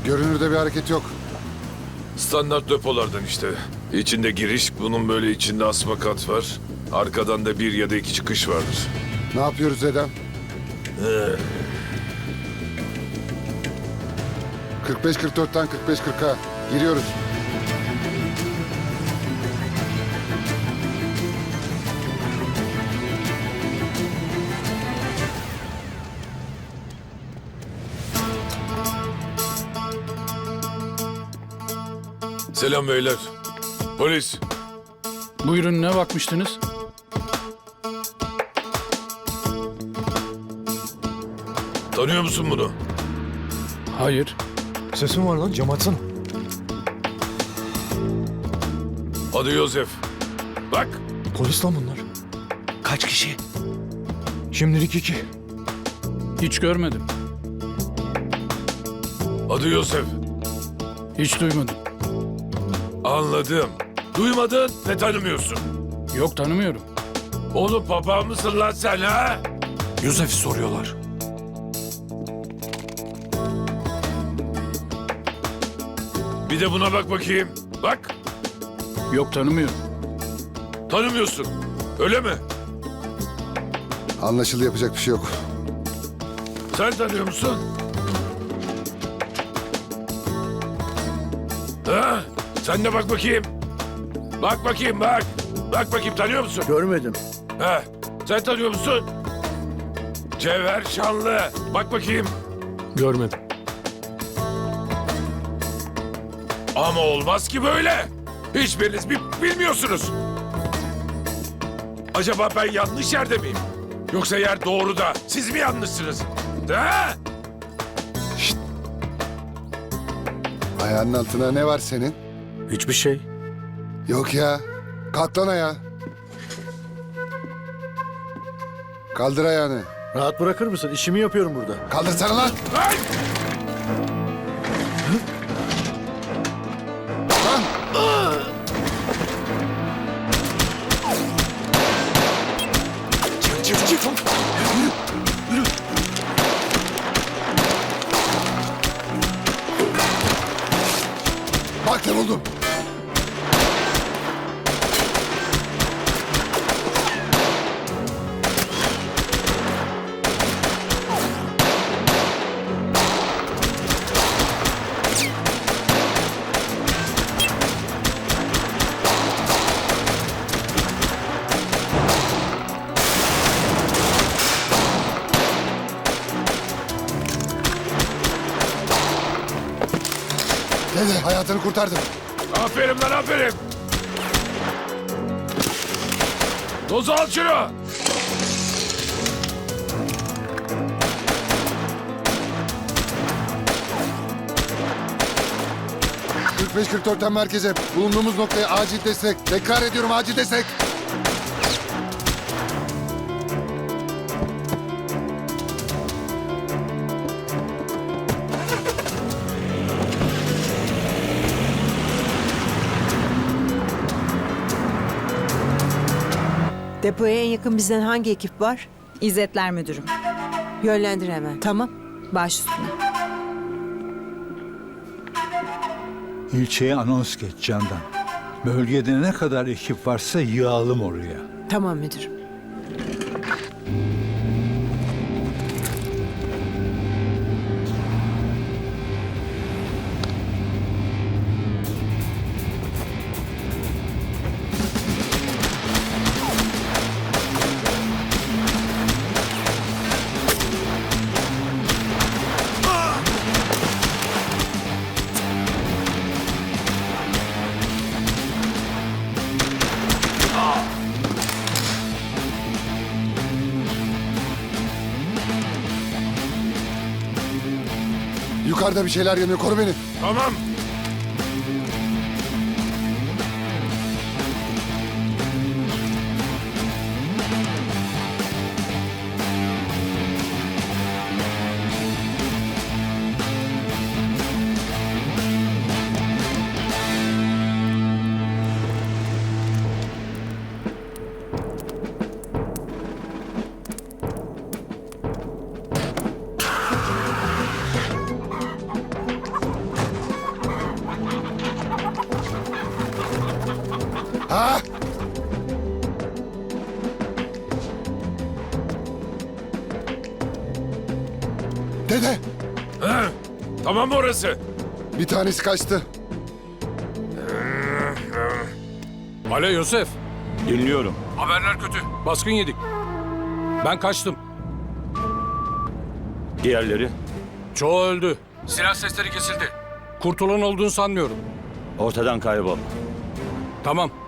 Görünürde bir hareket yok. Standart depolardan işte. İçinde giriş, bunun böyle içinde asma kat var. Arkadan da bir ya da iki çıkış vardır. Ne yapıyoruz Edem? 45-44'ten 45-40'a giriyoruz. Selam beyler. Polis. Buyurun, ne bakmıştınız? Tanıyor musun bunu? Hayır. Sesin var lan, cam açsana. Adı Yosef. Bak. Polis lan bunlar. Kaç kişi? Şimdilik 2. Hiç görmedim. Adı Yosef. Hiç duymadım. Anladım. Duymadın ve tanımıyorsun. Yok, tanımıyorum. Oğlum papağan mısın lan sen ha? Yusuf'u soruyorlar. Bir de buna bak bakayım. Bak. Yok, tanımıyorum. Tanımıyorsun. Öyle mi? Anlaşıldı, yapacak bir şey yok. Sen tanıyor musun? Ha? Sen de bak bakayım. Bak bakayım bak. Bak bakayım, tanıyor musun? Görmedim. Ha? Sen tanıyor musun? Cevher Şanlı. Bak bakayım. Görmedim. Ama olmaz ki böyle. Hiçbiriniz bilmiyorsunuz. Acaba ben yanlış yerde miyim? Yoksa yer doğru da siz mi yanlışsınız? Ha? Ayağının altına ne var senin? Hiçbir şey. Yok ya. Kalk lan ayağa. Kaldır ayağını. Rahat bırakır mısın? İşimi yapıyorum burada. Kaldırsana lan. Ay! Lan. Çık. Bak ne buldum. Dede, hayatını kurtardım. Aferin lan, aferin. Dozu al şunu. ...45-44'ten merkeze. Bulunduğumuz noktaya acil destek. Tekrar ediyorum, acil destek. Depoya en yakın bizden hangi ekip var? İzzetler müdürüm. Yönlendir hemen. Tamam. Baş üstüne. İlçeye anons geç Candan. Bölgede ne kadar ekip varsa yığalım oraya. Tamam müdürüm. Yukarıda bir şeyler yanıyor, koru beni. Tamam. Ha? Dede, Ha? Tamam mı orası? bir tanesi kaçtı. Alo Yusuf. Dinliyorum. Haberler kötü. Baskın yedik. Ben kaçtım. Diğerleri Çoğu öldü. Silah sesleri kesildi. Kurtulan olduğunu sanmıyorum. ortadan kaybol. Tamam.